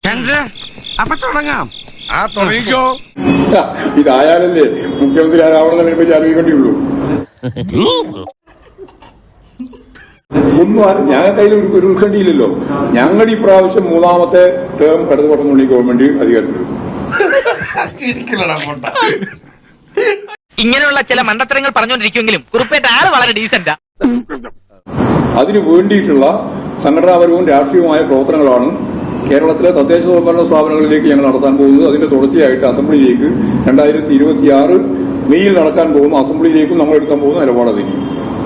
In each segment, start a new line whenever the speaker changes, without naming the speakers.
അപ്പൊ തുടങ്ങാം.
തുടങ്ങിക്കോ.
ഇതായാലല്ലേ മുഖ്യമന്ത്രി ആരാവണമെന്നതിനെ പറ്റി ആലോചിക്കേണ്ടിയുള്ളൂ. ഒന്നും ഞങ്ങൾക്ക് അതിൽ ഒരു ഉത്കണ്ഠയില്ലല്ലോ. ഞങ്ങൾ ഈ പ്രാവശ്യം മൂന്നാമത്തെ ടേം ഇടതുപക്ഷമുള്ള ഗവൺമെന്റ് അധികാരത്തിൽ.
ഇങ്ങനെയുള്ള ചില മണ്ടത്തരങ്ങൾ പറഞ്ഞുകൊണ്ടിരിക്കുമെങ്കിലും കുറുപ്പേറ്റ ആള് വളരെ ഡീസന്റാ.
അതിനു വേണ്ടിയിട്ടുള്ള സംഘടനാപരവും രാഷ്ട്രീയവുമായ പ്രവർത്തനങ്ങളാണ് കേരളത്തിലെ തദ്ദേശ സ്വയംഭരണ സ്ഥാപനങ്ങളിലേക്ക് ഞങ്ങൾ നടത്താൻ പോകുന്നത്. അതിന്റെ തുടർച്ചയായിട്ട് അസംബ്ലിയിലേക്ക് 2026 മെയ്യിൽ നടക്കാൻ പോകുന്ന അസംബ്ലിയിലേക്കും നമ്മൾ എടുക്കാൻ പോകുന്ന നിലപാട് അതായിരിക്കും.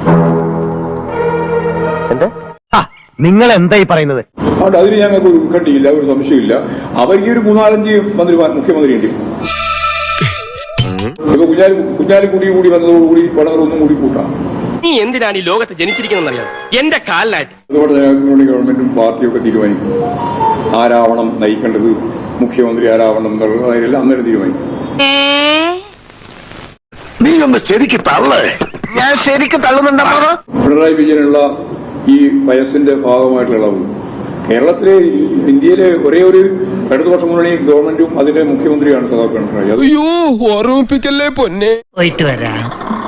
നിങ്ങൾ എന്തായി പറയുന്നത്?
അതുകൊണ്ട് അതിന് ഞങ്ങൾക്ക് ഒരു ഉത്കണ്ഠയില്ല, ഒരു സംശയമില്ല. അവർക്ക് ഒരു 3-4 മുഖ്യമന്ത്രി ഉണ്ട്. ഇപ്പൊ കുഞ്ഞാലിക്കുടി കൂടി വന്നതോടുകൂടി പടങ്ങളൊന്നും കൂടി കൂട്ടാം.
നീ എന്തിനാണ് ഈ ലോകത്ത് ജനിച്ചിരിക്കുന്നറിയാം? എന്റെ കാലിലായിട്ട്
അതുകൊണ്ട് ജനാധിപത്യ ഗവൺമെന്റും പാർട്ടിയും ഒക്കെ തീരുമാനിക്കും ആരാവണം നയിക്കേണ്ടത്, മുഖ്യമന്ത്രി ആരാവണം എന്നുള്ളതെല്ലാം അന്നേരം തീരുമാനിക്കും.
നീ ഒന്ന് ശരിക്ക് തള്ളേ.
ഞാൻ ശരിക്കും തള്ളുന്നുണ്ടോ?
പിണറായി വിജയനുള്ള ഈ വയസ്സിന്റെ ഭാഗമായിട്ടുള്ള ഇളവ് കേരളത്തിലെ ഇന്ത്യയിലെ ഒരേ ഒരു ഇടതുപക്ഷ മുന്നണി ഗവൺമെന്റും അതിന്റെ മുഖ്യമന്ത്രിയാണ് സഖാ പിണറായി.
ഓർമ്മിപ്പിക്കല്ലേ പൊന്നെ.
പോയിട്ട് വരാം.